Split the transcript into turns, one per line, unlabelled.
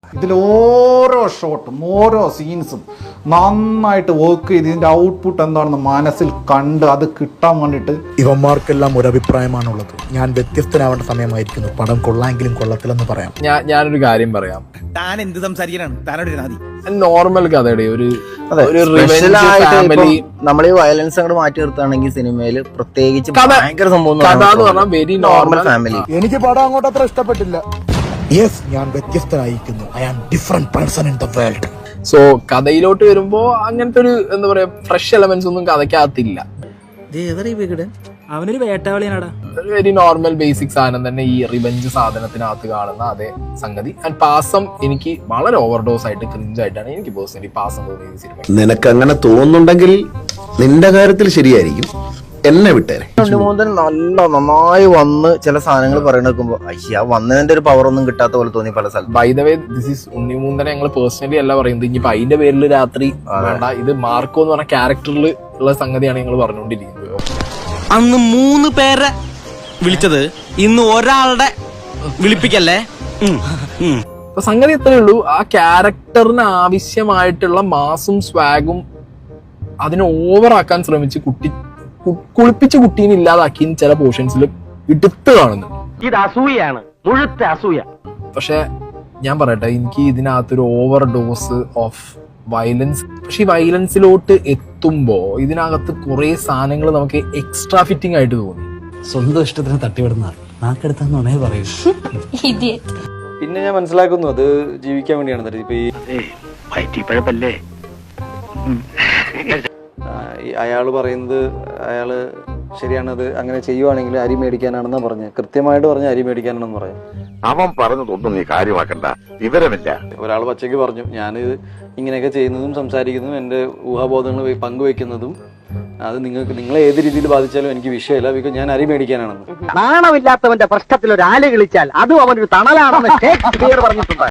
ഇതിൽ ഓരോ ഷോട്ടും ഓരോ സീൻസും നന്നായിട്ട് വർക്ക് ചെയ്ത് ഇതിൻ്റെ ഔട്ട്പുട്ട് എന്താണെന്ന് മനസ്സിൽ കണ്ട് അത് കിട്ടാൻ വേണ്ടിയിട്ട്
ഇവന്മാർക്കെല്ലാം ഒരു അഭിപ്രായമാണുള്ളത്. ഞാൻ വ്യത്യസ്തനാവേണ്ട സമയമായിരിക്കുന്നു. പടം കൊള്ളാമെങ്കിലും കൊള്ളത്തില്ലെന്ന് പറയാം.
ഞാനൊരു കാര്യം പറയാം.
താൻ എന്ത് സംസാരിക്കാനാണ്? താനോട് നാദി
നോർമൽ കഥയുടെ ഒരു
നമ്മൾ ഈ വയലൻസ് അങ്ങോട്ട് മാറ്റി നിർത്തുകയാണെങ്കിൽ സിനിമയിൽ പ്രത്യേകിച്ച് ഭയങ്കര സംഭവം
കഥ എന്ന് പറഞ്ഞാൽ വെരി നോർമൽ
ഫാമിലി.
എനിക്ക് പടം അങ്ങോട്ട് അത്ര ഇഷ്ടപ്പെട്ടില്ല. യെസ്, ഞാൻ വ്യത്യസ്തനായിരിക്കുന്നു. I am different person in the world.
So കഥയിലോട്ട് വരുമ്പോ അങ്ങനത്തെ ഒരു എന്താ പറയാ ഫ്രഷ് എലമെന്റ്സ് ഒന്നും കഥയ്ക്കകത്തില്ല.
അവനൊരു വേട്ടാവളിയാണടാ.
വെരി നോർമൽ ബേസിക് സാധനം തന്നെ ഈ റിവെഞ്ച് സാധനത്തിനകത്ത് കാണുന്ന അതേ സംഗതി. ആൻഡ് പാസം എനിക്ക് വളരെ ഓവർഡോസ് ആയിട്ട് ക്രിഞ്ചായിട്ടാണ് എനിക്ക് പേഴ്സണലി പാസം തോന്നിയത് ഈ സിനിമ.
നിനക്ക് അങ്ങനെ തോന്നുന്നുണ്ടെങ്കിൽ നിന്റെ കാര്യത്തിൽ ശരിയായിരിക്കും. എന്നെ വിട്ടേരെ.
നന്നായി വന്ന് ചില സാധനങ്ങൾ പറയണേക്കുമ്പോ അയ്യ വന്നതിന്റെ ഒരു പവർ ഒന്നും കിട്ടാത്ത പോലെ തോന്നി പല സ്ഥലത്തും.
By the way this is ഉണ്ണിമൂന്തനെ ഞങ്ങൾ പേഴ്സണലി അല്ല പറയുന്നത്. ഇനിയിപ്പോ അതിന്റെ പേരിൽ രാത്രി വേണ്ട, ഇത് മാർക്കോ എന്ന് പറഞ്ഞ ക്യാരക്ടറിൽ ഉള്ള സംഗതിയാണ് ഞങ്ങൾ പറഞ്ഞുകൊണ്ടിരിക്കുന്നത്.
അന്ന് 3 പേരെ വിളിച്ചത്, ഇന്ന് ഒരാളുടെ വിളിപ്പിക്കല്ലേ.
അപ്പൊ സംഗതി എത്രയേ ഉള്ളൂ, ആ ക്യാരക്ടറിന് ആവശ്യമായിട്ടുള്ള മാസും സ്വാഗും അതിനെ ഓവറാക്കാൻ ശ്രമിച്ച് കുളിപ്പിച്ച് കുട്ടീനെ ഇല്ലാതാക്കി ചില പോർഷൻസിൽ എടുത്ത് കാണുന്നു.
ഇത് അസൂയാണ്, മുഴുത്ത അസൂയ.
പക്ഷെ ഞാൻ പറയട്ടെ, എനിക്ക് ഇതിനകത്തൊരു ഓവർ ഡോസ് ഓഫ് വയലൻസ്. പക്ഷെ ഈ വയലൻസിലോട്ട് എത്തുമ്പോ ഇതിനകത്ത് കുറെ സാധനങ്ങൾ നമുക്ക് എക്സ്ട്രാ ഫിറ്റിംഗ് ആയിട്ട് തോന്നി.
സ്വന്തം ഇഷ്ടത്തിന് തട്ടിവിടുന്ന നാക്കെടുത്താന്നേ പറയൂ.
പിന്നെ ഞാൻ മനസ്സിലാക്കുന്നു അത് ജീവിക്കാൻ വേണ്ടിയാണ്. ഇപ്പൊ ഈ അയാള് പറയുന്നത് അയാള് ശരിയാണത്, അങ്ങനെ ചെയ്യുവാണെങ്കിൽ അരി മേടിക്കാനാണെന്നാ പറഞ്ഞത്. കൃത്യമായിട്ട് പറഞ്ഞ അരി മേടിക്കാനാണെന്ന് പറഞ്ഞു.
അവൻ പറഞ്ഞതൊന്നും നീ കാര്യമാക്കണ്ട, വിവരമില്ല.
ഒരാൾ പച്ചയ്ക്ക് പറഞ്ഞു, ഞാനിത് ഇങ്ങനെയൊക്കെ ചെയ്യുന്നതും സംസാരിക്കുന്നതും എന്റെ ഊഹാബോധങ്ങൾ പങ്കുവെക്കുന്നതും അത് നിങ്ങളെ ഏത് രീതിയിൽ ബാധിച്ചാലും എനിക്ക് വിഷയമില്ല, ബിക്കോസ് ഞാൻ അരി മേടിക്കാനാണെന്ന്.
നാണമില്ലാത്തവന്റെ പ്രശ്നത്തിൽ ഒരു ആല് കളിച്ചാൽ അതും അവനൊരു തണലാണെന്ന് ഷേക്സ്പിയർ പറഞ്ഞിട്ടുണ്ട്.